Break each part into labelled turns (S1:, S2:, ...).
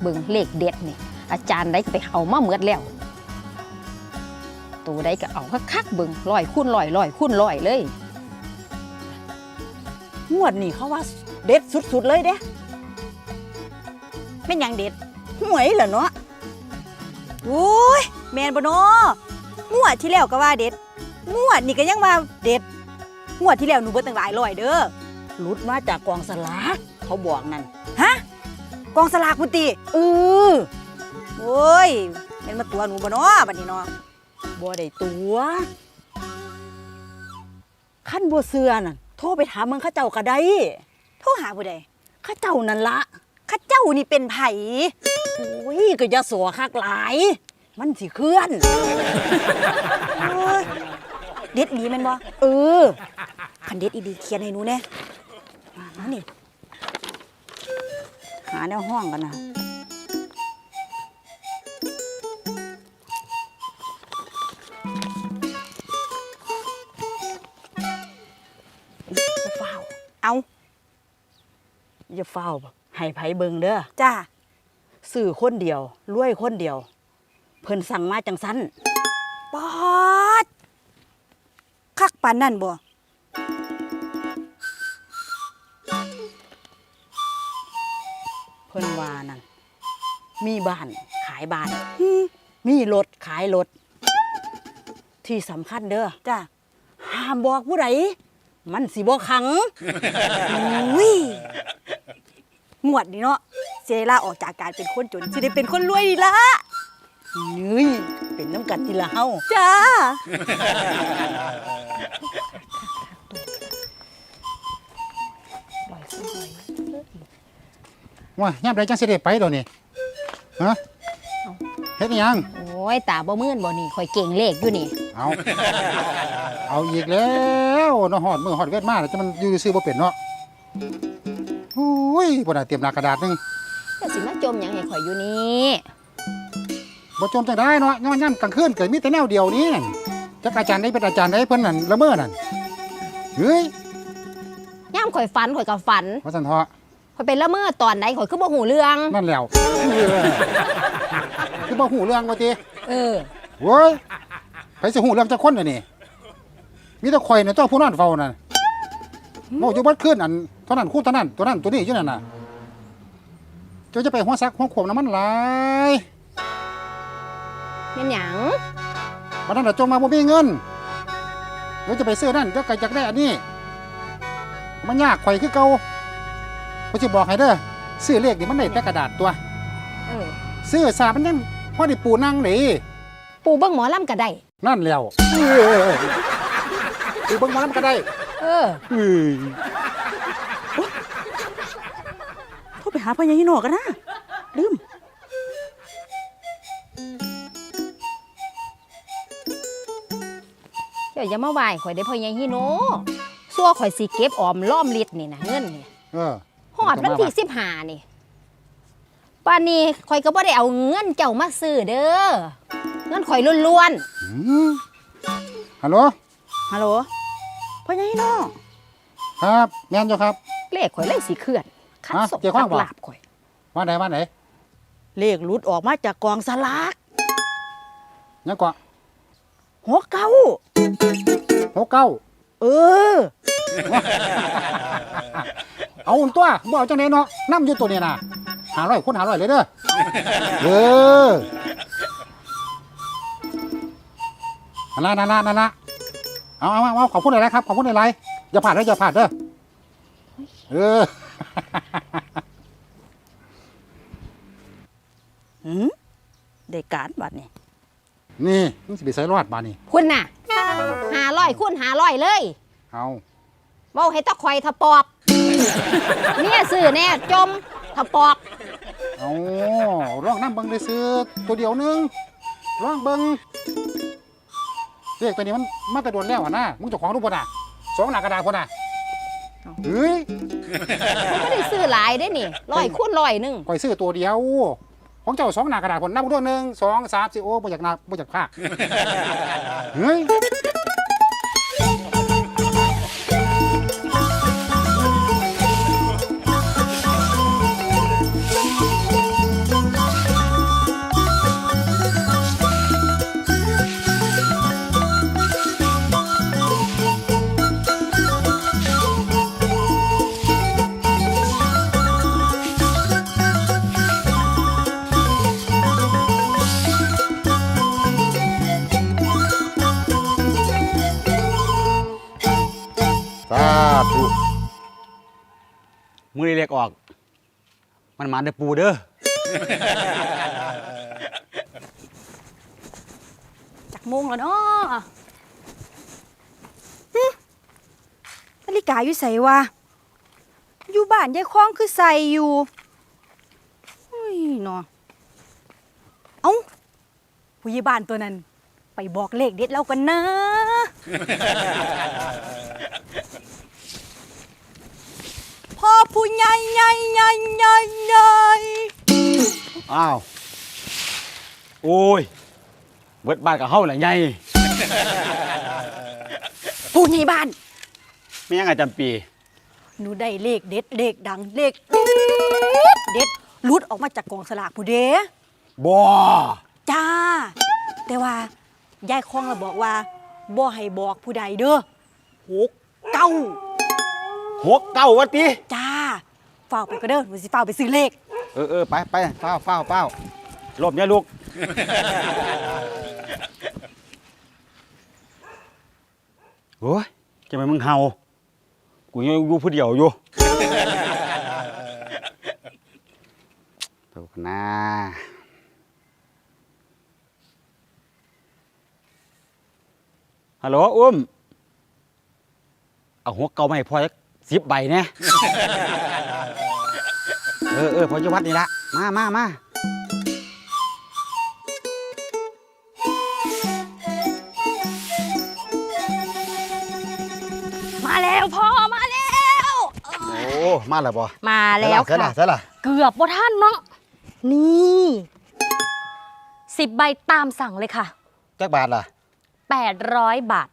S1: เบิ่งเลขเด็ดนี่อาจารย์ได้ไปเอามาเมือดแล้วตัวได้ก็เอาคักๆเบิ่ง100 คูณ 100 100 คูณ 100เลย
S2: งวดนี่เขาว่าเด็ดสุดๆเลยเด้เป็นอย่างเด็ดหวยเหรอเนาะโอ้ยแมนบ่เนาะงวดที่แล้วก็ว่าเด็ดงวดนี่ก็ยังว่าเด็ดงวดที่แล้วหนูเบิดตั้งหลายร้อยเด้อหลุดมาจากกองสลากเขาบอกนั่นฮะกองสลากพุติโอ้ยเป็นมาตัวหนูบ่เนาะบัดนี้เนาะบ่ได้ตัวขั้นบ่เชื่อนั่นโทรไปถามมึงข้าเจ้าก็ได้โทรหาผู้ใดข้าเจ้านั่นละข้าเจ้านี่เป็นไผโอ้ยก็อย่าสัวคักหลายมันสิเคลื่อนเด็ดดีแม่นบ่คันเด็ดอีดีเขียนให้หนูแน่มานี่หาแนวห้องกันนะอย่าเฝ้าเอาอย่าเฝ้าให้ไผเบิ่งเด้อจ้าสื่อคนเดียวรวยคนเดียวเพิ่นสั่งมาจังซั่นปอดคักปานนั่นบ่เพิ่นว่านั่นมีบ้านขายบ้านมีรถขายรถที่สำคัญเด้อจ้าห้ามบอกผู้ใดมันสิบ่ขังอุ้ยงวดนี่เนาะเซล่าออกจากการเป็นคนจนสิได้เป็นคนรวยดีละนี่เป็นน้ำกัดทีละเฮาจ้า
S3: ว่าย่ำไรจังสิได้ไปเดี๋ยวนี้ฮะเฮ็ดยัง
S1: โอ้ยตาบ่มื่นบ่นี่ข่อยเก่งเลขอยู่นี่
S3: เอาอีกแล้วเนาะฮอดมือฮอดเวทมาแล้วจะมันอยู่ซื่อบ่เป็นเนาะโอ้ยบ่ได้เตรียมหน้ากระดาษนึง
S1: ก็สิมาจมหยังให้ข่อยอยู่นี่
S3: บ่จมจังได้เนาะย่ำกลางคืนเกิดมีแต่แนวเดียวนี้นั่นจักอาจารย์ได้เป็นอาจารย์ได้เพิ่นนั่นละเมอนั่นเฮ้ย
S1: ย่ำข่อยฝันข่อยก็ฝัน
S3: ว่าซั่นเถาะ
S1: ข่อยเป็นละเมอตอนไหนข่อยคือบ่หูเรื่อง
S3: นั่นแล้วคือบ่หูเรื่องว่าติโว้ยไปสิหูเรื่องจักคนน่ะนี่มีแต่ข่อยน่ะเจ้าผู้นอนเฝ้านั่นเว้าอยู่เบิดคืนอันเท่านั้นคู่เท่านั้นตัวนั้นตัวนี้อยู่นั่นน่ะเจ้าจะไปหัวซักหัวขวมน้ำมันหลาย
S1: เป็นหยัง
S3: วันนั้นเราจงมาบ่มีเงินเดี๋ยวจะไปซื้อนั่นเดี๋ยวไก่จักได้อันนี้มันยากข่อยคือเก่าผมจะบอกให้เด้อซื้อเลขนี่มันได้แต่กระดาษตัวซื้อสามันยังพอได้ปูนั่งนี่
S1: ปูเบิ้งหมอลำก็ได้
S3: นั่นแล้วปูเบิ้งหมอลำก็ได้
S2: โทรไปหาพ่อใหญ่ฮิโนกันนะลืม
S1: เดี๋ยวอย่ามาไหว้ข่อยได้พ่อใหญ่ฮิโนซัวข่อยสิเก็บออมล้อมลิดนี่นะเงินนี่ฮอดวันที่15นี่ป่านนี้ข่อยก็บ่ได้เอาเงินเจ้ามาซื้อเด้อเงินข่อยล้วน
S3: ๆฮัลโหล
S2: พ่อใหญ่ฮิโน
S3: ครับแม่นอยู่ครับ
S1: เลขข่อยเลยสิเคลื่อนคัดส่งตักลาบข่อย
S3: ว่าไหน
S2: เลขหลุดออกมาจากกองสลาก
S3: ยังกว่า
S2: 69
S3: เอาตัวบ่เอาจังได๋เนาะนำอยู่ตัวนี้น่ะ500คน500เลยเด้อนั่นละเอาขอบคุณหลายๆครับขอบคุณหลายๆอย่าพลาดเด้อ
S2: ได้การบัด
S3: นี่มึงสิไปใส่รอดบาดนี่
S1: คุณน่ะ500คูณ500เลย
S3: เอา
S1: เว้าให้ตะข่อยทะปอบเนี่ยซื้อแน่จมทะปอบ
S3: เอาร้องน้ำเบิ่งได้ซื้อตัวเดียวนึงร้องเบิ่งเลขตัวนี้มันมาแต่โดนแล้วนะมึงเจ้าของรูปบ่น่ะ2หน้ากระดาษบ่น่ะเฮ้ย
S1: ผมไม่ได้ซื้อหลายได้นี่100คูณ100นึง
S3: ข่อยซื้อตัวเดียวของเจ้า2หน้ากระดาษผลนับด้วย1 2 3 4โอ้บ่อยากนับบ่อยากพากเฮ้ย
S4: มือเรียกออก มันมาเด้อปูเด้อ
S5: จักโมงแล้วเนาะนาฬิกาอยู่ใส่วะอยู่บ้านยายคล้องคือใส่อยู่เฮ้ยเนาะเอ้าผู้ใหญ่บ้านตัวนั้น ไปบอกเลขเด็ดเรากันนะ พ่อผู้ใหญ่ใหญ่ใหญ่ใหญ่ใหญ่
S4: อ้าว โอ้ย เบิดบ้านกับเฮาแหละไง
S5: ผู้ใหญ่บ้าน
S4: ไม่ยังไงจำปี
S5: หนูได้เลขเด็ดเลขดังเลขเด็ดหลุดออกมาจากกองสลากผู้เด้
S4: บ่
S5: จ้า แต่ว่ายายคองเราบอกว่าบ่ให้บอกผู้ใดเด้อ69
S4: หกเก้าวะติ
S5: จ้าเฝ้าไปก็เด้อหนูสิเฝ้าไปซื้อเลข
S4: ไปเฝ้าหลบอย่าลูก โอ้ยจะไปมึงเห่า กูยังอยู่ผู้เดียวอยู่ถูกนะฮัลโหลอุ้ม เอาหัวเก่ามาให้พ่อ10 ใบเนี่ย พอจะวัดนี่ละมา
S5: มาแล้วพ่อมาแล้ว
S4: โอ้มาแล้วบ่
S5: มาแล้ว
S4: เสร็จ
S5: ค่ะ
S4: ละเสร็จละ
S5: เกือบบ่ท่านเนาะนี่10 ใบตามสั่งเลยค่ะ
S4: จักบาทล่ะ
S5: 800 บาท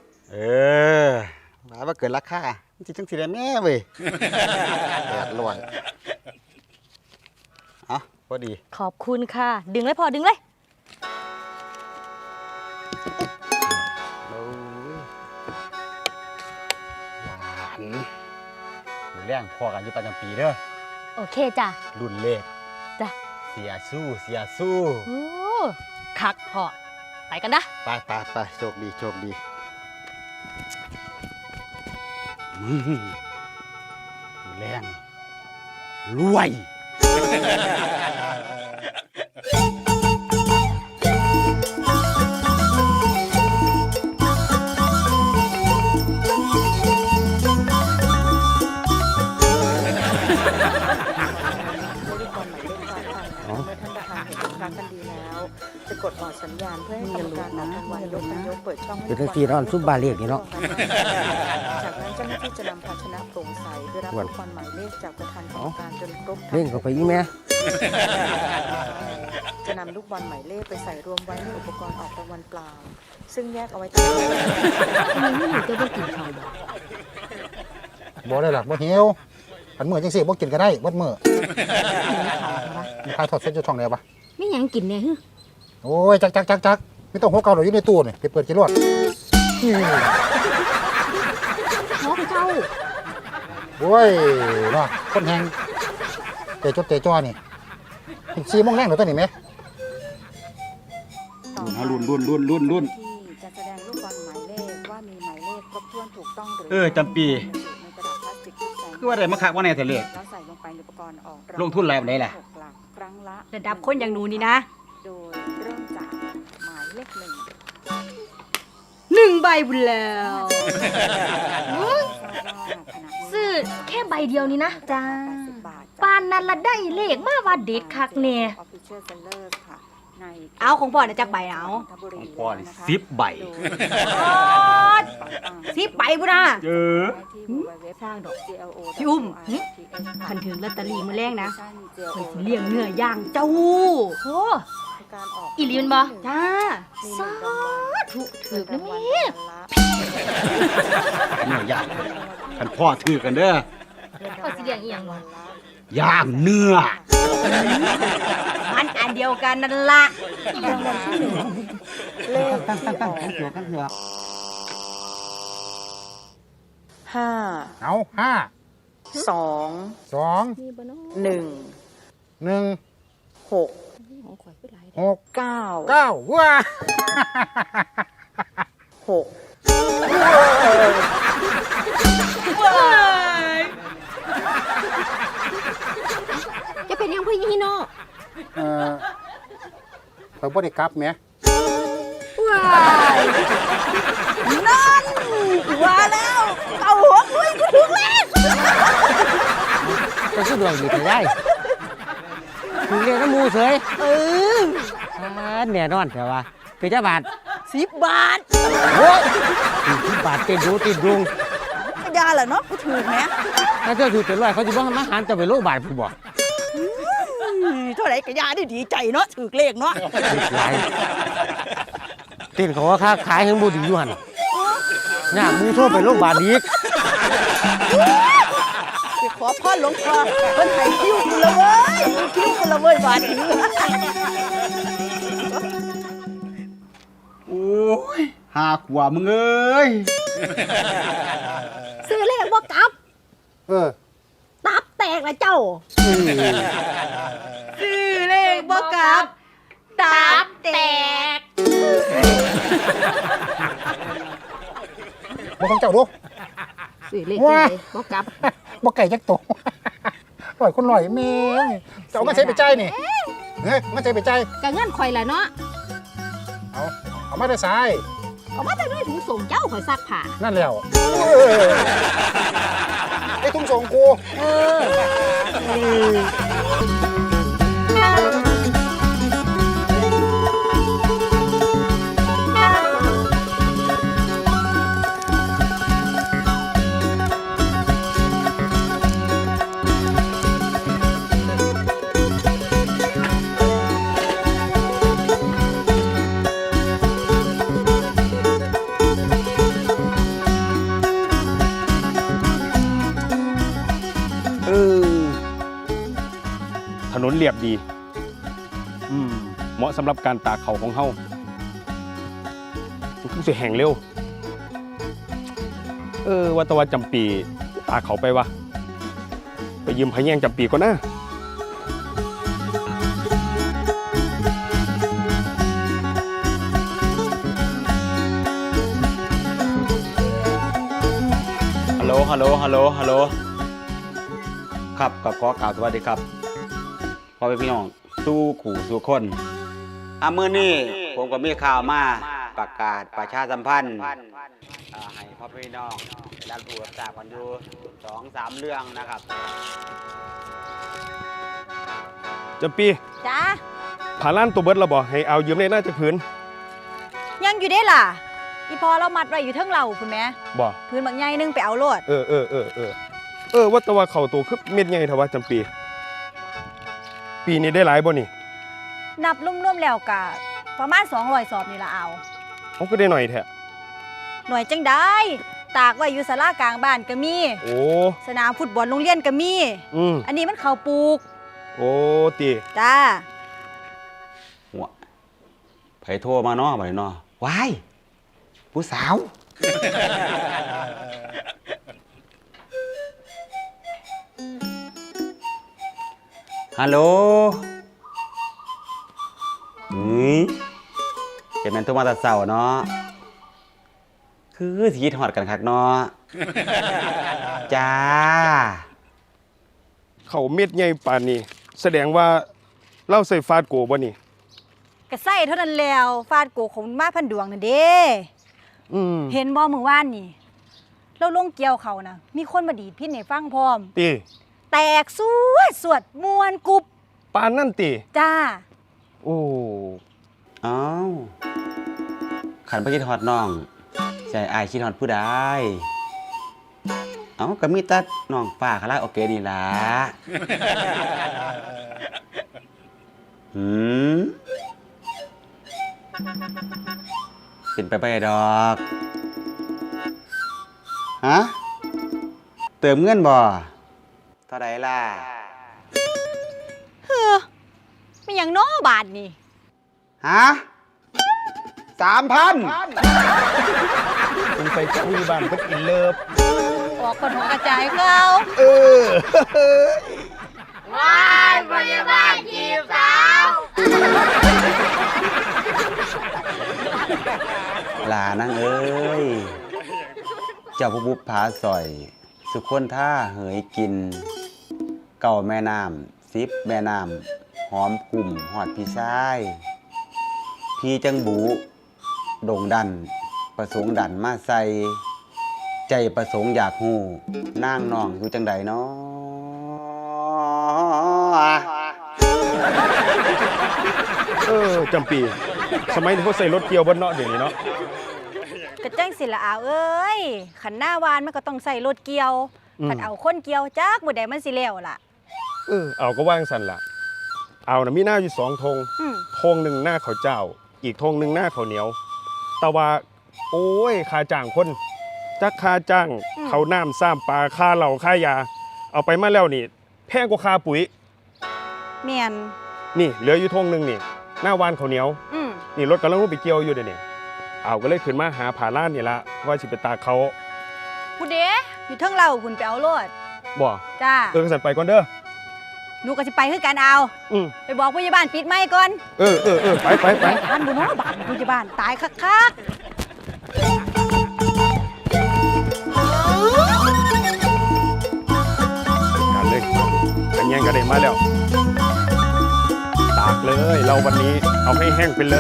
S4: หมายว่าเกินราคาจริงจังสิได้แม่เว้ย800อ่ะพอดี
S5: ขอบคุณค่ะ ดึงเลยพ่อดึงเลย
S4: โอ้ยหวานมือแรงพอกันอยู่ประจำปีเด้อ
S5: โอเคจ้ะ
S4: รุ่นเลข
S5: จ้ะ
S4: เสียสู้
S5: โอ้คักพ่อไปกันนะ
S4: ไปโชคดีมือแรงรวย
S2: จะกดออดสัญญาณเพื่อให้กรรมการนับรางวัลยกยกเปิดช่องให้
S6: เป็นทั้งที่นอนซุบบาเรียกนี่เนาะ
S2: จากนั้นเจ้าหน้าที่จะนำภาชนะโปร่งใสเพื่อรับลูกบอลหมายเลขจากประธานกรรมการจนครบทั้ง
S6: เล่นเข้าไปอีแม่
S2: จะนำลูกบอลหมายเลขไปใส่รวมไว้ในอุปกรณ์ออกรางวัลเปล่า ซึ่งแยกเอาไว้ต่างหาก
S1: ทำไมไม่อยู่ตัวบ่กินข้าวบ่
S3: บ่ได้หรอกบ่หิวอันมื้อจังซี่บ่กินก็ได้เบิดมื้อ
S1: หิวข้าวค่ะ
S3: มีใครทอดเส้นอยู่ช่องไหนวะ
S1: มีหยังกินแน่ฮึ
S3: โอ้ยจักไม่ต้องหัวเก่าหรอกอยู่ในตู้นี่ไปเปิดกินรวด
S1: หัวเก่า
S3: โอ้ยเนาะคนแหงเตะจดเตะจ้อนี่4 โมงแรงเดี๋ยวตัวนี้ไหม
S4: รุ่น
S2: ที่จะแสดงลูกบอลหมายเลขว่ามีหมายเลขครบถ้วนถูกต้องหรือ
S4: จำปี
S2: ในกระดาษพลาสติกที่แสง
S4: คือว่าได้มาคักว่าแน่แต่เลข
S2: แล้วใส่ลงไปในอุปกรณ์ออก
S4: ลงทุนอะไรแบบไหนล่ะ
S2: หกหลักครั้งละ
S5: ระดับคนอย่างหนูนี่นะ
S2: โดยเริ่มจากหมายเลข1
S5: 1 ใบบุญแล้ว ซื้อแค่ใบเดียวนี้นะจ้าปานนั้นละได้เลขมาว่าเด็ดคักแน่ เอาของพ่อน่ะจักใบเอา
S4: ของพ่อนี่10 ใบ
S5: 10 ใบบุญนะ
S2: สร้างดอก
S5: พี่อุ้มคันถึงลอตเตอรี่มื้อแรกนะข่อยสิเลี้ยงเนื้อย่างเจ้าโอ้อีหลีแม่นบ่จ้าสาธุถูกนะแม่
S4: เนี่ยย่างคันพ่อถือกันเด้อ
S5: ข่อยสิเลี้ยงอีหยังบ่
S4: ย่างเนื้อ
S5: มันอันเดียวกันนั่นล่ะ
S2: เลขที่ออก ห้า
S3: เอา5
S2: สอง
S3: 2
S2: หนึ่ง
S3: 1
S2: หก
S1: ของข่อยคือหลาย
S3: 6
S2: เก้า
S3: 9ว้า
S2: หก
S3: ข่อยบ่ได้กลับแหม
S2: ว้ายนั่นว่าแล้วเอาหัวคุยกูถึงแล้ว
S6: ก็คือดวงดีแต่ยายถึงเรียกน้ำมูเสย
S2: เออ
S6: แน่นอนแต่ว่าเป็นเจ้าบาท
S2: 10 บาท
S6: โอ้ย10 บาทติดดูติดดวง
S2: ก็ยาแหละเนาะกูถือไหม
S6: ถ้าเจ้าถือเป็นร้อยเขาจะบ้องมาหารจะไปโลบาทผู้บอก
S2: เท่าไหร่ก็ยาได้ดีใจเนาะถือเลขเนาะ
S6: หลายเต้นเขาว่าค้าขายให้บูดีอยู่หันน่ามูโทษไปโลบาทอีก
S2: ไปขอพ่อหลวงพ่อเพิ่นให้คิ้วกูละเว้ยคิ้วกูละเว้ยบาทนี้
S4: โอ้ยหาขวามึงเอ้ย
S1: ซื้อเลขบ่กลับ
S3: เออ
S1: ตับแตกละเจ้า
S2: ซื้อเลขบ่กลับตับแตก
S3: บ่ของเจ้าดู
S1: ซื้อเลข
S3: ว้า
S1: บ่กลับ
S3: บ่ไก่จักโตร้อยคนร้อยแม่งเจ้าเอามาใช้ไปจ่ายนี่เฮ้ยมาใช้ไปจ่าย
S1: ก็เงินข่อยล่ะเนาะ
S3: เอามาได้สาย
S1: เอามาแต่ด้วยถุงส่งเจ้าข่อยซักผ้า
S3: นั่นแล้วไอ้ทุ่งส่งกู
S4: ถนนเรียบดีเหมาะสำหรับการตากเขาของเฮามันคงสิแห้งเร็ว ว่าแต่ว่าจำปีตากเขาไปวะไปยืมพะแยงจำปีก่อนนะฮัลโหลฮัลโหลฮัลโหลฮัลโหลครับกับขอกล่าวสวัสดีครับพ่อแม่พี่น้องสู้ขู่สู้คนมื้อนี้ผมก็มีข่าวมาประกาศประชาสัมพันธ์ให้พ่อพี่น้องได้รู้รับทราบกันอยู่ 2-3 เรื่องนะครับจำปี
S5: จ้า
S4: ผ่าล้านตัวเบิดเราบอกให้เอายืมได้น่าจะพื้น
S5: ยังอยู่ได้ล่ะ อีพอเรามัดไว้อยู่เทิงเราคุณแม่
S4: บ่
S5: พื้นบางใหญ่นึงไปเอาโลด
S4: ว่าแต่ว่าเขาตัวคือเม็ดใหญ่เท่าว่าจำปี ปีนี้ได้หลายบ่นี่
S5: นับรวมๆแล้วกะประมาณ200สอบนี่ละเอา
S4: เขาก็ได้หน่อยแท้
S5: หน่วยจังได้ตากไว้อยู่ศาลากลางบ้านก็มี
S4: โอ้
S5: สนามฟุตบอลโรงเรียนก็มี อันนี้มันเขาวปลูก
S4: โอ้ตี
S5: จ้า
S7: หัวไผโทรมาเนาะบัดนี้เนาะว้ายผู้สาว ฮัลโหลเห็นแม่นโทรมาแต่เช้าเนาะคือสิคิดฮอดกันคักเนาะ จ้า
S4: เขาเม็ดใหญ่ปานนี้ แสดงว่าเล่าใส่ฟาดโกบ่นี่
S5: กระใส่เท่านั้นแล้วฟาดโกของมาพันดวงนั่นเด้ เห็นบ่มื้อวานนี่เราลงเกี่ยวเขานะมีคนมาดีดพินให้ฟังพร้อม
S4: ตี
S5: แตกสวดมวนกุบ
S4: ปานนั่นตี
S5: จ้า
S4: โอ้
S7: อ้าวขันไปคิดฮอดน้องใจอายคิดฮอดผู้ใดเอ้าก็มีแต่น้องป้าคาราโอเกะนี่ล่ะ เป็นไปได้ดอกฮะเติมเงินบ่เท่าใดล่ะ
S5: ไม่อย่างน้อบาทนี่
S7: ฮะ 3,000
S4: สงสัยเจ้าอยู่บ้านเพิ่นอินเลิฟ
S5: ออกคนหัวกระจายเขา
S1: ว้ายพยาบาลจีบสาว
S7: ลานั่งเอ้ย เจ้าผู้บุปผาสอย สุคนท่าเหยกิน เก่าแม่น้ำ10 แม่น้ำหอมกลุ่มหอดพี่ชายพี่จังบูโด่งดัน ประสงค์ดันมาใส่ ใจประสงค์อยากหูนางน้องอยู่จังใดเนาะ
S8: จำปี สมัยนี้เขาใส่รถเกี่ยวบนเนาะเดี๋ยวนี้เนาะ
S5: กระจังสิละอาวเอ้ยขันหน้าวานมันก็ต้องใส่รถเกี่ยวขันเอาคนเกี่ยวจักบ่ได้มันสิแล้วล่ะ
S8: เอาก็ว่างสันละเอานะมีหน้าอยู่2 ธง ธงหนึ่งหน้าเขาวเจ้า อีกธงหนึ่งหน้าเขาวเหนียว แต่ว่าโอ้ยค่าจ้างคนจักค่าจ้างเขาวน้ำซ้ำปลาค่าเหล่าค่ายา เอาไปมาแล้วนี่แพงกว่าค่าปุ๋ย
S5: แม่น
S8: นี่เหลืออยู่ธงหนึ่งนี่ หน้าวานเขาวเหนียว นี่รถกำลังลงไปเกี่ยวอยู่เดี๋ยวนี้เอาก็เลยขึ้นมาหาผาล้านนี่ละว่าสิไปตากเขา
S5: ผู้เด้อยู่เทิงเราคุณไปเอาโลด
S8: บ่
S5: จ้า
S8: สั่นไปก่อนเด้อ
S5: หนูก็สิไปคือกันเอา ไปบอกผู้ใหญ่บ้านปิดไม้ก่อน
S8: ไป
S5: ท่านบุญน้บ้านผู้ใหญ่บ้านตายคัก
S8: กันเลยกันแย่งกันเด็มาแล้ว ตากเลยเราวันนี้เอาให้แห้งไปเลย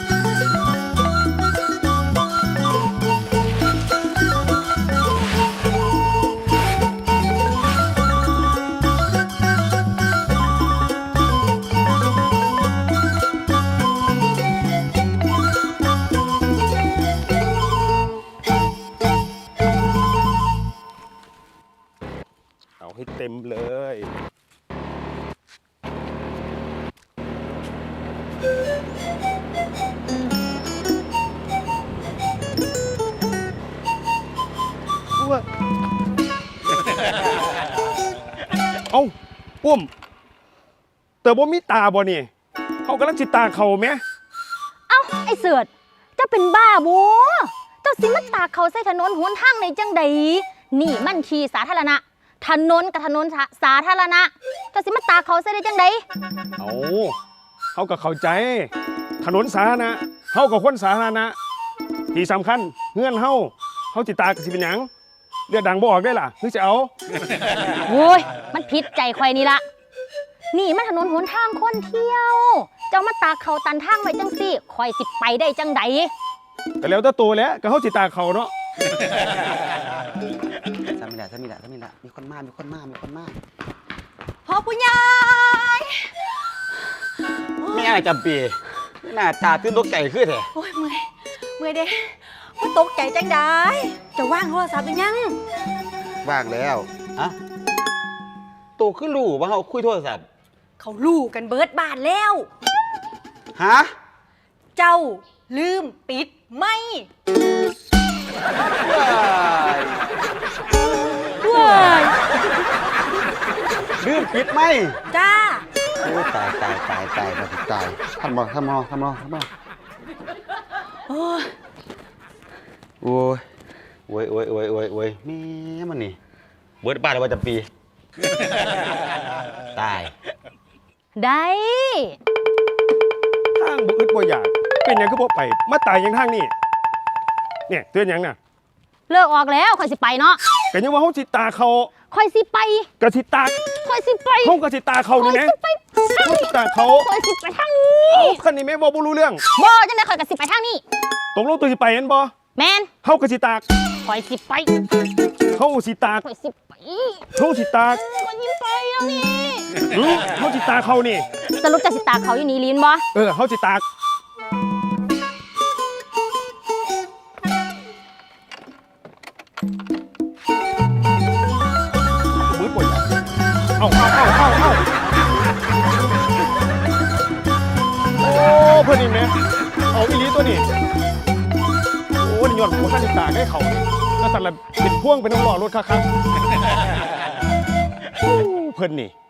S8: เอาให้เต็มเลย เอ้าปุ้มแต่บ่มีตาบ่นี่เขากำลังจิตาเขาไหม
S1: เอ้าไอ้เสือดเจ้าเป็นบ้าบ่เจ้าสิมาตากเขาใส่ถนนหนทางในจังใดนี่มันที่สาธารณะถนนกับถนนสาธารณะเจ้าสิมาตากเขาใส่ได้จังใด
S8: เอาเขาก็เข้าใจ ถนนสาธารณะเขากับคนสาธารณะที่สำคัญเงื่อนเขาจิตากสิเป็นหยังเลือดดังบ่ออกได้ล่ะนึกจะเอา
S1: โว้ยมันผิดใจข่อยนี่ละนี่มันถนนหนทางคนเที่ยว เจ้ามาตากเขาตันทางไว้จังสิข่อยสิไปได้จังใด
S8: แต่แล้วแต่ตัวแล้วก็เขาจิตากเขาเนาะ
S7: สามีละมีคนมา
S5: ๆพ่อผู้ใหญ่
S7: ไม่อะไรจำปีหน้าตาตื่นตกใจขึ้นแท้
S5: โอ้ยเมื่อยเด้ว่าตกใจจังได้จะว่างโทรศัพท์หรือยัง
S7: ว่างแล้วอะโตขึ้นรู้ว่าเขาคุยโทรศัพท์
S5: เขาลู่กันเบิดบ้านแล้ว
S7: ฮะ
S5: เจ้าลืมปิดไม่
S7: ว้ายลืมปิดไหม
S5: จ้า
S7: โอ้ตายมาถึงตายทำมาโอ้ยแม่มันนี่เบิดบ้านแล้วว่าจะปี ตาย
S1: ได้
S8: ทางบ่อึดบ่อยากเป็นหยังก็บ่ไปมาตายอยังทางนี่เนี่ยเตือนหยังน่ะ
S1: เลิกออกแล้วข่อยสิไปเนาะ
S8: ก็ยังว่าเขาจิตาเขา
S1: ข่อยสิไป
S8: กระสิตาก
S1: ข่อยสิไป
S8: เขากระสิตาเขา
S1: ข่อ
S8: นี่
S1: ย
S8: นะ
S1: สิไปทาง
S8: เขา
S1: นี้
S8: จิตาเขา
S1: ข่อยสิไปทางนี้
S8: เอาคันนี้แม่บ่รู้เรื่อง
S1: บ่จังได๋ข่อยก็สิไปทางนี้
S8: ตกลงตัวสิไปเห็นบ่
S1: แม่น
S8: เขากระสิตาก
S1: ข่อยสิไป
S8: เขาสิตาก
S1: ข่อยสิไป
S8: เขาสิตาก
S1: ข่อยสิไปแล้วนี่
S8: เขาจิตาเขานี่
S1: สรุปจะสิตากเขาอยู่นี่ลีนบ่
S8: เขาจิตากมืดปวดเอาโอ้เพื่อนนี่แม่เอาอีหลีตัวนี้โอ้นี่ยอดหัวข้าจิตากให้เขานี่แล้วสั่นละเป็นพ่วงเป็นน้ำหล่อรถคักๆเพื่อนนี่